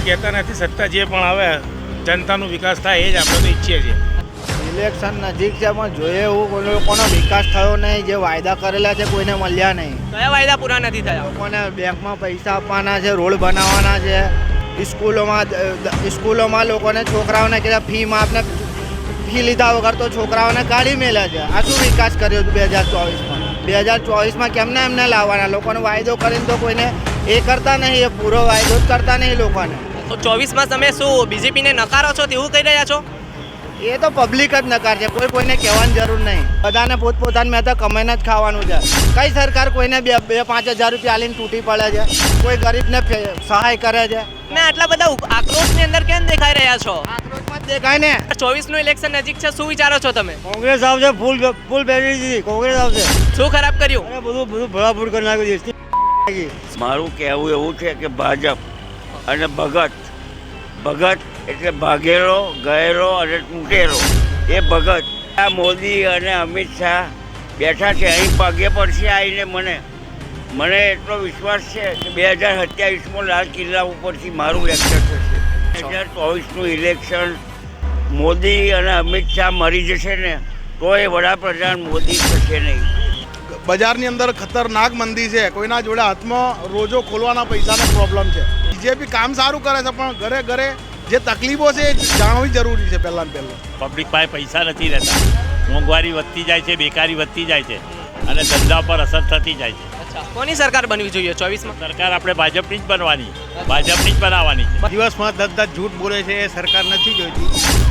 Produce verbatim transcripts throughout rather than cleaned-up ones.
કંઈ કહેતા નથી. સત્તા જે પણ આવે જનતાનો વિકાસ થાય એ જ આપણે તો ઈચ્છીએ છીએ. ઇલેક્શન નજીક છે પણ જોઈએ એવું કોઈ લોકોનો વિકાસ થયો નહીં. જે વાયદા કરેલા છે કોઈને મળ્યા નહીં. કયા વાયદા પૂરા નથી થયા? લોકોને બેંકમાં પૈસા આપવાના છે, રોડ બનાવવાના છે, સ્કૂલોમાં સ્કૂલોમાં લોકોને છોકરાઓને કીધા ફી માફ ને ફી લીધા વગર તો છોકરાઓને કાઢી મેલ્યા છે. આ શું વિકાસ કર્યો બે હજાર ચોવીસમાં? બે હજાર ચોવીસમાં કેમને એમને લાવવાના? લોકોને વાયદો કરીને તો કોઈને એ કરતા નહીં, એ પૂરો વાયદો જ કરતા નહીં લોકોને. તો ચોવીસમાં તમે શું બીજેપીને નકારો છો તેવું કહી રહ્યા છો? એ તો પબ્લિક જ નકાર છે, કોઈ કોઈને કહેવાની જરૂર નહીં. બધાને પોતપોતાને મેં તો કમાઈને જ ખાવાનું છે. કઈ સરકાર કોઈને બે બે પાંચ હજાર રૂપિયા આલીને તૂટી પડે છે? કોઈ ગરીબને સહાય કરે છે? ને આટલા બધા આક્રોશની અંદર કેમ દેખાઈ રહ્યા છો? આક્રોશમાં જ દેખાય ને. ચોવીસ નું ઇલેક્શન નજીક છે, શું વિચારો છો તમે? કોંગ્રેસ આવશે, ફૂલ ફૂલ બેરી દીધી કોંગ્રેસ આવશે. શું ખરાબ કર્યું? અરે બધું બધું ભડાફૂડ કરી નાખ્યું દેશની. મારું કહેવું એવું છે કે ભાજપ અને ભગત ભગત એટલે ભાગેલો ગયેલો અને તૂટેલો એ ભગત. આ મોદી અને અમિત શાહ બેઠા છે અહીં પગે પડશે આવીને. મને મને એટલો વિશ્વાસ છે કે બે હજાર સત્યાવીસમાં લાલ કિલ્લા ઉપરથી મારું લેક્ચર થશે. બે હજાર ચોવીસનું ઇલેક્શન મોદી અને અમિત શાહ મરી જશે ને તો એ વડાપ્રધાન મોદી થશે નહીં. બજારની અંદર ખતરનાક મંદી છે. કોઈના જોડે હાથમાં રોજો ખોલવાના પૈસાનો પ્રોબ્લેમ છે. બીજેપી કામ સારું કરે છે પણ ઘરે ઘરે જે તકલીફો છે એ જાણવી જરૂરી છે. પહેલાં ને પહેલાં પબ્લિક પાસે પૈસા નથી રહેતા, મોંઘવારી વધતી જાય છે, બેકારી વધતી જાય છે અને ધંધા પર અસર થતી જાય છે. અચ્છા, કોની સરકાર બનવી જોઈએ ચોવીસમાં? સરકાર આપણે ભાજપની જ બનવાની, ભાજપની જ બનાવવાની છે. દિવસમાં દસ દસ જૂઠ બોલે છે એ સરકાર નથી જોઈતી.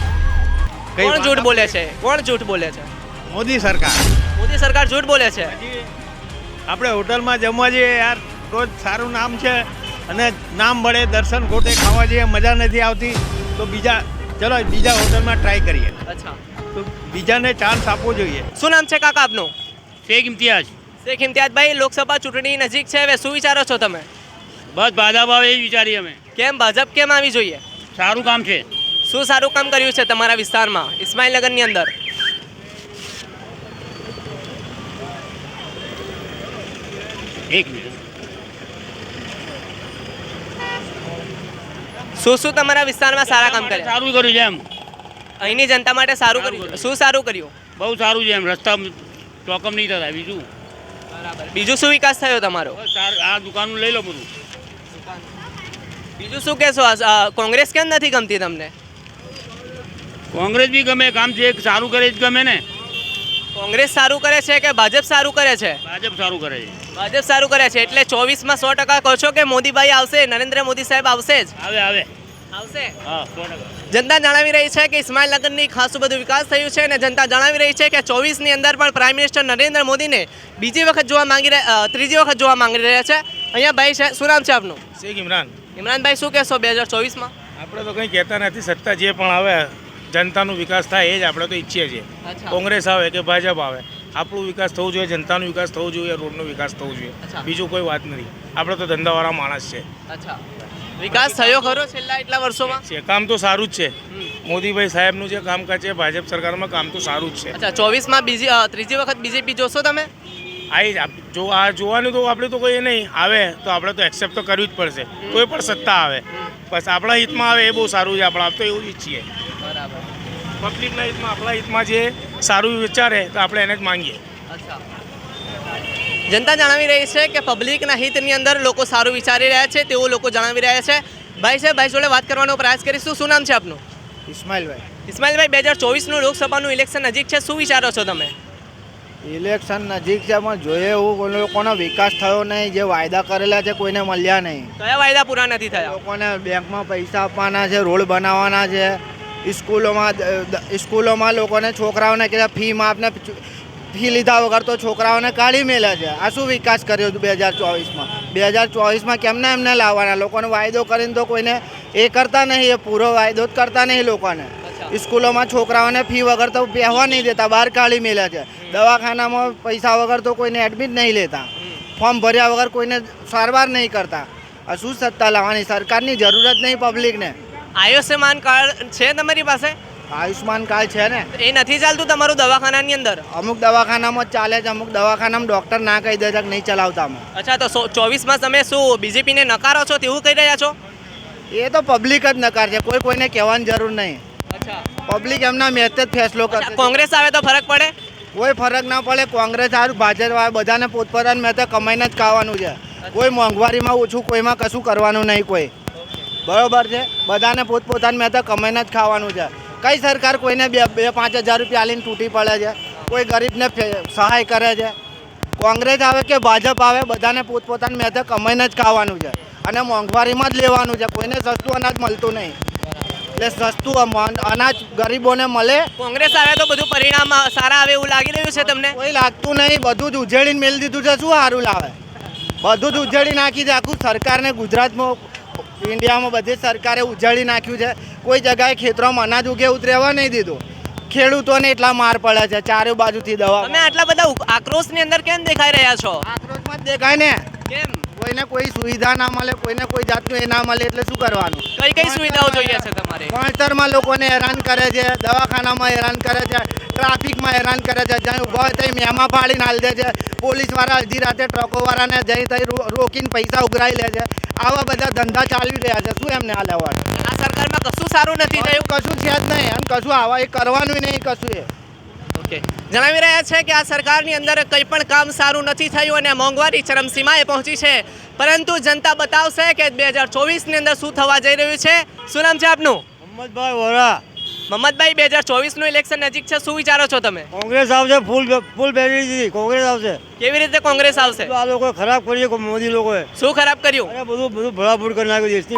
કોણ જૂઠ બોલે છે? કોણ જૂઠ બોલે છે? મોદી સરકાર. મોદી સરકાર જૂઠ બોલે છે. આપણે હોટલમાં જમવા જઈએ યાર, રોજ સારું નામ છે અને નામ મળે, દર્શન ખોટે ખાવા જઈએ, મજા નથી આવતી તો બીજા ચલો બીજા હોટલમાં ટ્રાય કરીએ. અચ્છા, તો બીજાને ચાન્સ આપવો જોઈએ. શું નામ છે કાકા આપનું? શેખ ઇમ્તિયાઝ. શેખ ઇમ્તિયાઝભાઈ, લોકસભા ચૂંટણી નજીક છે, હવે શું વિચારો છો તમે? બસ ભાજપ આવે એ જ વિચારીએ અમે. કેમ ભાજપ કેમ આવી જોઈએ? સારું કામ છે. શું સારું કામ કર્યું છે તમારા વિસ્તારમાં ઇસ્માઇલનગરની અંદર? એક મિનિટ. શું શું તમારા વિસ્તારમાં સારા કામ કર્યા? સારું કર્યું છે એમ, અહીંની જનતા માટે સારું કર્યું. શું સારું કર્યું? બહુ સારું છે એમ. રસ્તા ચોકમ નહીં થતા. બીજું બરાબર. બીજું શું વિકાસ થયો તમારો? બસ સારું, આ દુકાનનું લઈ લો બધું. બીજું શું કહેશો? આ કોંગ્રેસ કેમ નથી ગમતી તમને? કોંગ્રેસ બી ગમે, કામ છે સારું કરે જ ગમે ને. કોંગ્રેસ સારું કરે છે કે ભાજપ સારું કરે છે? ભાજપ સારું કરે છે. ભાજપ સારું કરે છે એટલે ચોવીસમાં સો ટકા કહો છો કે મોદીભાઈ આવશે, નરેન્દ્ર મોદી સાહેબ આવશે જ? આવે આવે આવશે. હા, સો ટકા. જનતા જણાવી રહી છે કે ઇસ્માઇલનગરની ખાસું બધું વિકાસ થયું છે અને જનતા જણાવી રહી છે કે ચોવીસની અંદર પણ પ્રાઇમ મિનિસ્ટર નરેન્દ્ર મોદીને બીજી વખત જોવા માંગી રહ્યા ત્રીજી વખત જોવા માંગી રહ્યા છે. અહીંયા ભાઈ છે, શું નામ છે આપનું? શેખ ઇમરાન. ઇમરાનભાઈ, શું કહેશો બે હજાર ચોવીસમાં? આપણે તો કંઈ કહેતા નથી. સત્તા જે પણ આવે જનતાનો વિકાસ થાય એ જ આપણે તો ઈચ્છીએ છીએ. કોંગ્રેસ આવે કે ભાજપ આવે, આપણું વિકાસ થવું જોઈએ, જનતાનો વિકાસ થવો જોઈએ, રોડનો વિકાસ થવો જોઈએ. બીજું કોઈ વાત નથી. આપણે તો ધંધાવાળા માણસ છે. અચ્છા, વિકાસ થયો ખરો છેલ્લા એટલા વર્ષોમાં? છે કામ તો સારું જ છે. મોદીભાઈ સાહેબનું જે કામકાજ છે ભાજપ સરકારમાં કામ તો સારું જ છે. અચ્છા, ચોવીસમાં બીજી અ, ત્રીજી વખત બીજેપી જોશો તમે? આવી જો આ જોવાનું તો આપણે તો કોઈ નહીં આવે તો આપણે તો એક્સેપ્ટ તો કરવી જ પડશે. કોઈ પણ સત્તા આવે બસ આપણા હિતમાં આવે એ બહુ સારું છે. આપણે આપ તો એવું જ ઈચ્છીએ. બરાબર. પબ્લિકના હિતમાં, આપણા હિતમાં જે સારું વિચારે તો આપણે એને જ માંગીએ. અચ્છા, જનતા જણાવી રહી છે કે પબ્લિકના હિતની અંદર લોકો સારું વિચારી રહ્યા છે તેવું લોકો જણાવી રહ્યા છે. ભાઈ છે, ભાઈ જોડે વાત કરવાનો પ્રયાસ કરીશું. શું નામ છે આપનું? ઇસ્માઇલભાઈ. ઇસ્માઇલભાઈ, બે હજાર ચોવીસનું લોકસભાનું ઇલેક્શન નજીક છે, શું વિચારો છો તમે? ઇલેક્શન નજીક છે પણ જોઈએ એવું કોઈ લોકોનો વિકાસ થયો નહીં. જે વાયદા કરેલા છે કોઈને મળ્યા નહીં. કયા વાયદા પૂરા નથી થયા? લોકોને બેંકમાં પૈસા આપવાના છે, રોડ બનાવવાના છે, સ્કૂલોમાં સ્કૂલોમાં લોકોને છોકરાઓને કીધા ફી માફ ને ફી લીધા વગર તો છોકરાઓને કાઢી મેલ્યા છે. આ શું વિકાસ કર્યો બે હજાર ચોવીસમાં? બે હજાર ચોવીસમાં કેમને એમને લાવવાના? લોકોને વાયદો કરીને તો કોઈને એ કરતા નહીં, એ પૂરો વાયદો જ કરતા નહીં લોકોને. સ્કૂલોમાં છોકરાઓને ફી વગર તો પહેવા નહીં દેતા, બહાર કાઢી મેલ્યા છે. દવાખાનામાં પૈસા વગર તો કોઈને એડમિટ નહીં લેતા, ફોર્મ ભર્યા વગર કોઈને સારવાર નહીં કરતા. આ શું સત્તા લાવવાની? સરકારની જરૂરત નહીં પબ્લિકને. આયુષ્યમાન કાર્ડ છે તમારી પાસે? આયુષ્માન કાર્ડ છે ને. એ નથી ચાલતું તમારું દવાખાનાની અંદર? અમુક દવાખાનામાં જ ચાલે છે, અમુક દવાખાનામાં ડૉક્ટર ના કહી દે છે કે નહીં ચલાવતા અમે. અચ્છા, તો ચોવીસમાં તમે શું બીજેપીને નકારો છો તેવું કહી રહ્યા છો? એ તો પબ્લિક જ નકાર છે, કોઈ કોઈને કહેવાની જરૂર નહીં. અચ્છા પબ્લિક એમના મેચ જ ફેસલો અચ્છા, કરશે. કોંગ્રેસ આવે તો ફરક પડે? કોઈ ફરક ના પડે. કોંગ્રેસ સારું, ભાજપ આવે, બધાને પોતપોતાનું મેં તો કમાઈને જ ખાવાનું છે. કોઈ મોંઘવારીમાં ઓછું, કોઈમાં કશું કરવાનું નહીં કોઈ. બરોબર છે, બધાને પોતપોતાનું મેં તો કમાઈને જ ખાવાનું છે. કઈ સરકાર કોઈને બે બે પાંચ હજાર રૂપિયા આલીને તૂટી પડે છે? કોઈ ગરીબને ફે- સહાય કરે છે? કોંગ્રેસ આવે કે ભાજપ આવે, બધાને પોતપોતાનું મેં તો કમાઈને જ ખાવાનું છે અને મોંઘવારીમાં જ લેવાનું છે. કોઈને સસ્તું અનાજ મળતું નહીં, એટલે સસ્તું અમ- અનાજ ગરીબોને મળે. કોંગ્રેસ આવે તો બધું પરિણામ અ, સારા આવે એવું લાગી રહ્યું છે તમને? કોઈ લાગતું નહીં, બધું જ ઉજેડીને મેળ દીધું છે. શું સારું લાવે? બધું જ ઉજેડી નાખી છે. આખું સરકારને ગુજરાતમાં, ઇન્ડિયામાં બધી સરકારે ઉજાડી નાખ્યું છે. કોઈ જગ્યાએ ખેતરોમાં અનાજ ઉગે એવું રહેવા નહીં દીધું. ખેડૂતોને એટલા માર પડે છે ચારે બાજુથી દવા. તમે આટલા બધા ઉ- આક્રોશની અંદર કેમ દેખાઈ રહ્યા છો? આક્રોશમાં જ દેખાય ને. કેમ? કોઈને કોઈ સુવિધા ના મળે, કોઈને કોઈ જાતનું એ ના મળે એટલે શું કરવાનું? કઈ કઈ સુવિધાઓ જોઈએ છે તમારે? ભણતરમાં લોકોને હેરાન કરે છે, દવાખાનામાં હેરાન કરે છે, ટ્રાફિકમાં હેરાન કરે છે. જ્યાં ઊભા હોય ત્યાં મેમા ફાડીને હાલ દે છે. પોલીસવાળા અડધી રાતે ટ્રકોવાળાને જઈ તઈ રો- રોકીને પૈસા ઉઘરાઈ લે છે. આવા બધા ધંધા ચાલી રહ્યા છે. શું એમને હાલ આવવાનું? આ સરકારમાં કશું સારું નથી થયું. કશું છે જ નહીં અને કશું આવા એ કરવાનું નહીં કશું એ. ઓકે, જણાવી રહ્યા છે કે આ સરકારની અંદર કંઈ પણ કામ સારું નથી થયું અને મોંઘવારી ચરમસીમાએ પહોંચી છે. પરંતુ જનતા બતાવશે કે બે હજાર ચોવીસની અંદર શું થવા જઈ રહ્યું છે. શું નામ છે આપનું? મોહમ્મદભાઈ વોરા. મહમ્મદભાઈ, બે હજાર ચોવીસનું ઇલેક્શન નજીક છે, શું વિચારો છો તમે? કોંગ્રેસ આવશે, ફૂલ ફૂલ બેરી દીધી. કોંગ્રેસ આવશે. કેવી રીતે કોંગ્રેસ આવશે? આ લોકો ખરાબ કરી છે મોદી લોકોએ. શું ખરાબ કર્યું? અરે બધું બધું ભડાફૂડ કરી નાખ્યું દેશની.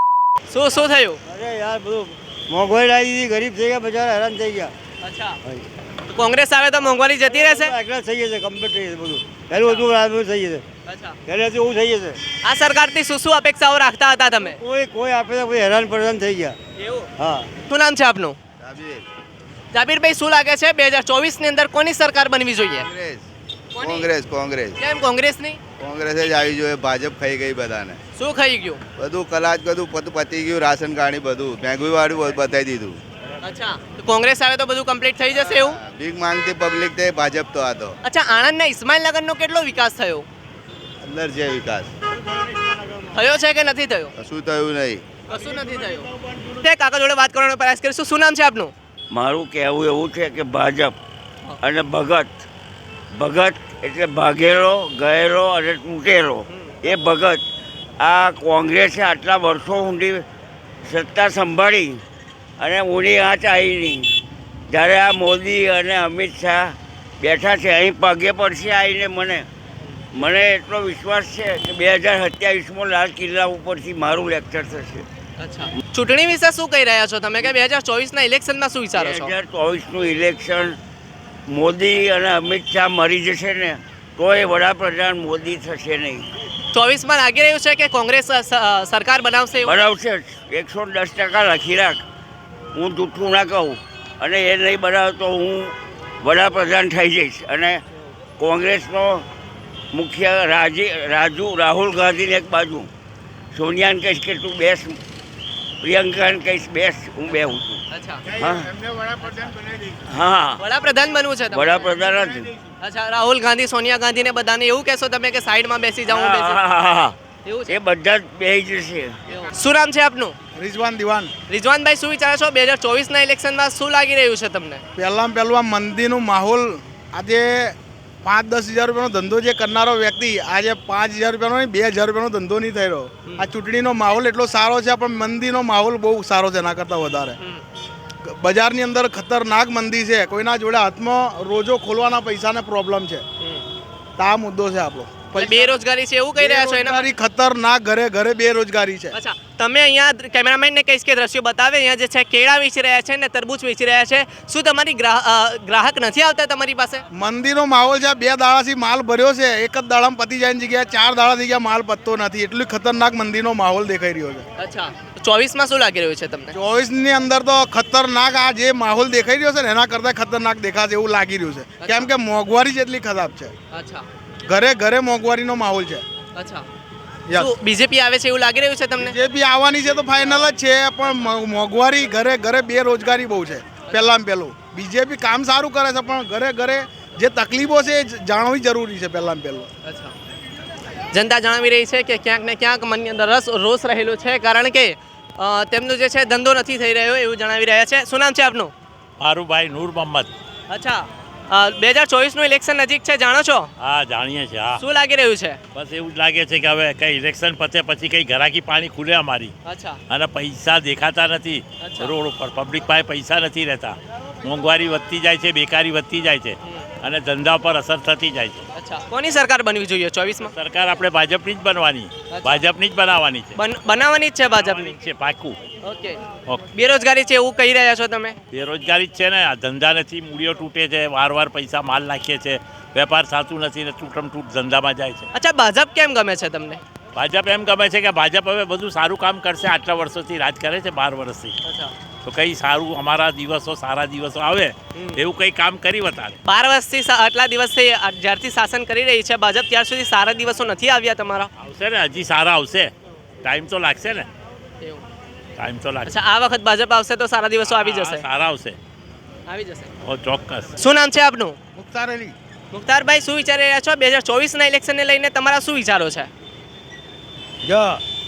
શું શું થયું? અરે યાર બધું મોંઘવારી લાવી દીધી, ગરીબ થઈ ગયા, બચારા હેરાન થઈ ગયા. અચ્છા, તો કોંગ્રેસ આવે તો મોંઘવારી જતી રહેશે? એકલા થઈ જશે, કમ્પ્લીટ થઈ જશે બધું. પહેલું બધું બરાબર થઈ જશે. અચ્છા, પહેલેથી એવું થઈ જશે. આ સરકારથી શું શું અપેક્ષાઓ રાખતા હતા તમે? કોઈ કોઈ આપે તો કોઈ હેરાન પરેશાન થઈ ગયા. એવું? હા. શું નામ છે આપનું? જાબીરભાઈ, શું લાગે છે બે હજાર ચોવીસની અંદર કોની સરકાર બનવી જોઈએ? કોની? કોંગ્રેસ કોંગ્રેસ કેમ કોંગ્રેસની? કોંગ્રેસ જ આવી જોઈએ. ભાજપ ખાઈ ગઈ બધાને. શું ખાઈ ગયું? બધું કલાજ બધું પત- પતી ગયું. રાશન કાર્ડ બધું મેંઘું વાળું બતાવી દીધું. અચ્છા, તો કોંગ્રેસ આવે તો બધું કમ્પ્લીટ થઈ જશે એવું? ભીખ માંગતી પબ્લિક તે ભાજપ તો આ તો અચ્છા, આણંદના ઇસ્માઇલનગરનો કેટલો વિકાસ થયો? અંદર છે વિકાસ. થયો છે કે નથી થયો? કશું થયું નહીં. કશું નથી થયું. તે કાકા જોડે વાત કરવાનો પ્રયાસ કરીશું. શું નામ છે આપનું? મારું કહેવું એવું છે કે ભાજપ અને ભગત ભગત એટલે ભાગેલો ગયેલો અને તૂટેલો એ ભગત. આ કોંગ્રેસે આટલા વર્ષો ઊંડી સત્તા સંભાળી અને ઊંડી આંચ આવી નહીં. જ્યારે આ મોદી અને અમિત શાહ બેઠા છે અહીં પગે પડશે આવીને મને મને એટલો વિશ્વાસ છે કે બે હજાર સત્યાવીસમાં લાલ કિલ્લા ઉપરથી મારું લેક્ચર થશે. અચ્છા, ચૂંટણી વિશે શું કહી રહ્યા છો તમે કે બે હજાર ચોવીસના ઇલેક્શનમાં શું વિચારો બે છો? હજાર ચોવીસનું ઇલેક્શન મોદી અને અમિત શાહ મરી જશે ને તો એ વડાપ્રધાન મોદી થશે નહીં. ચોવીસમાં લાગી રહ્યું છે કે કોંગ્રેસ અ, સ- અ, સરકાર બનાવશે એવું? બનાવશે જ. એકસો દસ ટકા લખી રાખ. હું જૂઠું ના કહું અને એ નહીં બનાવે તો હું વડાપ્રધાન થઈ જઈશ. અને કોંગ્રેસનો મુખ્ય રાજી રાજુ રાહુલ ગાંધીને એક બાજુ, સોનિયાને કહીશ કે તું બેસ, પ્રિયંકાને કહીશ બેસ, હું બેહું છું. અચ્છા, હા હા વડાપ્રધાન બનવું છે તમારે? વડાપ્રધાન જ. અચ્છા, રાહુલ ગાંધી, સોનિયા ગાંધીને બધાને એવું કહેશો તમે કે સાઈડમાં બેસી જાઉં હું બેસી હા, હા, હા. એવું છે? એ બધા જ બેસી જશે. એવું. શું નામ છે આપનું? રિઝવાન દિવાન. રિઝવાનભાઈ, શું વિચારો છો બે હજાર ચોવીસના ઇલેક્શનમાં શું લાગી રહ્યું છે તમને? પહેલાં પહેલું આ મંદીનું માહોલ. આજે પાંચ દસ હજાર રૂપિયાનો ધંધો જે કરનારો વ્યક્તિ આજે પાંચ હજાર રૂપિયાનો નહીં બે હજાર રૂપિયાનો ધંધો નહીં થઈ રહ્યો. આ ચૂંટણીનો માહોલ એટલો સારો છે પણ મંદીનો માહોલ બહુ સારો છે એના કરતાં વધારે. બજારની અંદર ખતરનાક મંદી છે. કોઈના જોડે હાથમાં રોજો ખોલવાના પૈસાને પ્રોબ્લેમ છે. તો આ મુદ્દો છે આપણો. એટલે બેરોજગારી છે એવું કહી રહ્યા છો એના? બેરોજગારી ખતરનાક, ઘરે ઘરે બેરોજગારી છે. અચ્છા, તમે અહીંયા કેમેરામેનને કહીશ કે દ્રશ્યો બતાવે. અહીંયા જે છે કેળા વેચી રહ્યા છે ને તરબૂચ વેચી રહ્યા છે. શું તમારી ગ્રાહ- અ, ગ્રાહક નથી આવતા તમારી પાસે? મંદીનો માહોલ છે. બે દાડાથી માલ ભર્યો છે. એક જ દાડામાં પતી જાય જગ્યાએ ચાર દાડા થઈ ગયા માલ પતતો નથી. એટલી ખતરનાક મંદીનો માહોલ દેખાઈ રહ્યો છે. અચ્છા, ચોવીસમાં શું લાગી રહ્યું છે તમને? ચોવીસ ની અંદર તો ખતરનાક આ જે માહોલ દેખાઈ રહ્યો છે ને એના કરતાં ખતરનાક દેખાશે એવું લાગી રહ્યું છે. કેમ કે મોંઘવારી જ એટલી ખરાબ છે. અચ્છા, ઘરે ઘરે મોંઘવારીનો માહોલ છે. અચ્છા. યસ. શું બીજેપી આવે છે એવું લાગી રહ્યું છે તમને? જે બી આવવાની છે તો ફાઇનલ જ છે પણ મો- મોંઘવારી ઘરે ઘરે બેરોજગારી બહુ છે. પહેલાં પહેલું બીજેપી કામ સારું કરે છે પણ ઘરે ઘરે જે તકલીફો છે એ જાણવી જરૂરી છે પહેલાં પહેલું. અચ્છા, જનતા જણાવી રહી છે કે ક્યાંક ને ક્યાંક મનની અંદર રસ રોષ રહેલો છે કારણ કે અ, તેમનું જે છે ધંધો નથી થઈ રહ્યો એવું જણાવી રહ્યા છે. શું નામ છે આપનું? મારું ભાઈ નૂર મોહમ્મદ. અચ્છા, બે હજાર ચોવીસનું ઇલેક્શન નજીક છે, જાણો છો? હા જાણીએ છીએ. હા શું લાગી રહ્યું છે? બસ એવું જ લાગે છે કે હવે કઈ ઇલેક્શન પતે પછી કઈ ઘરાકી પાણી ખુલે અમારી, અચ્છા અને પૈસા દેખાતા નથી અચ્છા. રોડ ઉપર, પબ્લિક પાસે પૈસા નથી રહેતા, મોંઘવારી વધતી જાય છે, બેકારી વધતી જાય છે, અને ધંધા પર અસર થતી જાય છે. અચ્છા, કોની સરકાર બનવી જોઈએ ચોવીસમાં? સરકાર આપણે ભાજપની જ બનવાની, ભાજપની જ બનાવવાની છે. બન- બનાવવાની જ છે ભાજપની. છે પાકું. ઓકે. ઓકે. બેરોજગારી છે એવું કહી રહ્યા છો તમે? બેરોજગારી જ છે ને, આ ધંધા નથી, મૂડીઓ તૂટે છે, વાર વાર પૈસા માલ નાખીએ છે, વેપાર સાચું નથી ને તૂટમ તૂટ ધંધામાં જાય છે. અચ્છા, ભાજપ કેમ ગમે છે તમને? ભાજપ એમ ગમે છે કે ભાજપ હવે બધું સારું કામ કરશે. આટલા વર્ષોથી રાજ કરે છે, બાર વર્ષથી, અચ્છા, તો કઈ સારું અમારા દિવસો સારા દિવસો આવે એવું કઈ કામ કરી બતાવે. બાર વર્ષથી સા- આટલા દિવસથી આ- જ્યારથી શાસન કરી રહી છે ભાજપ, ત્યાર સુધી સારા દિવસો નથી આવ્યા તમારા? આવશે ને, હજી સારા આવશે, ટાઈમ તો લાગશે ને, એવું. ટાઈમ તો લાગશે. અચ્છા, આ વખત ભાજપ આવશે તો સારા દિવસો આવી હા, જશે? સારા આવશે. આવી જશે. ઓ ચોક્કસ. શું નામ છે આપનું? મુખ્તાર અલી. મુખ્તારભાઈ, શું વિચારી રહ્યા છો? બે હજાર ચોવીસના ઇલેક્શનને લઈને તમારા શું વિચારો છે? જો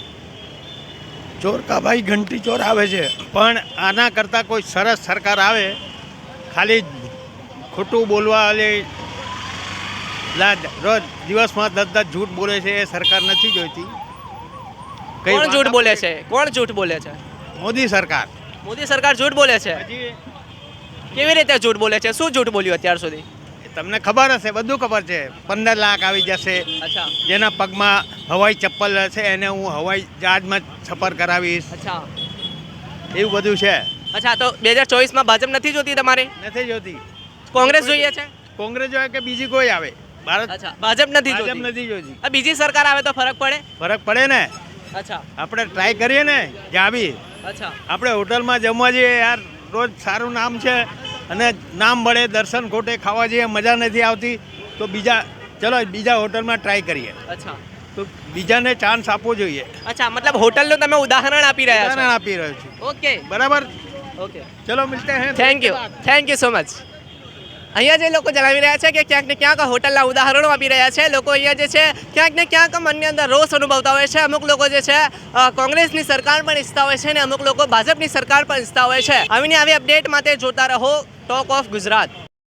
ચોર કા ભાઈ ઘંટી ચોર આવે છે, પણ આના કરતાં કોઈ સરસ સરકાર આવે, ખાલી ખોટું બોલવા વાળી લા રોજ દિવસમાં દસ દસ જૂઠ બોલે છે એ સરકાર નથી જોઈતી. કઈ કોણ વાત જૂઠ બોલે આપણે- છે? કોણ જૂઠ બોલે છે? મોદી સરકાર. મોદી સરકાર જૂઠ બોલે છે? હજી કેવી રીતે જૂઠ બોલે છે? શું જૂઠ બોલ્યું અત્યાર સુધી? તમને ખબર હશે, બધું ખબર છે. પંદર લાખ આવી જશે, અચ્છા જેના પગમાં હવાઈ ચપ્પલ હશે એને હું હવાઈ જહાજમાં સફર કરાવીશ, અચ્છા એવું બધું છે. અચ્છા, તો બે હજાર ચોવીસમાં ભાજપ નથી જોતી તમારે? નથી જોતી. કોંગ્રેસ જોઈએ છે? કોંગ્રેસ જોઈએ કે બીજી કોઈ આવે, ભારત અચ્છા, ભાજપ નથી ભાજપ જોતી. નથી જોતી. આ બીજી સરકાર આવે તો ફરક પડે? ફરક પડે ને, અચ્છા આપણે ટ્રાય કરીએ ને જ્યાં બી. અચ્છા આપણે હોટલમાં જમવા જઈએ યાર, રોજ સારું નામ છે અને નામ મળે, દર્શન ખોટે ખાવા જઈએ, મજા નથી આવતી, તો બીજા ચલો બીજા હોટલમાં ટ્રાય કરીએ, અચ્છા તો બીજાને ચાન્સ આપવો જોઈએ. અચ્છા, મતલબ હોટલનું તમે ઉદાહરણ આપી રહ્યા ઉદાહરણ આપી રહ્યો છું, છો? ઓકે બરાબર. ઓકે, ચલો મિલતે હૈ. Thank you, thank you so much. અહીંયા જે લોકો જણાવી રહ્યા છે કે ક્યાંક ને ક્યાંક હોટલના ઉદાહરણો આપી રહ્યા છે લોકો, અહીંયા જે છે ક્યાંક ને ક્યાંક મનની અંદર રોષ અનુભવતા હોય છે. અમુક લોકો જે છે અ, કોંગ્રેસની સરકાર પણ ઈચ્છતા હોય છે અને અમુક લોકો ભાજપની સરકાર પણ ઈચ્છતા હોય છે. આવીને આવી અપડેટ માટે જોતા રહો ટોક ઓફ ગુજરાત.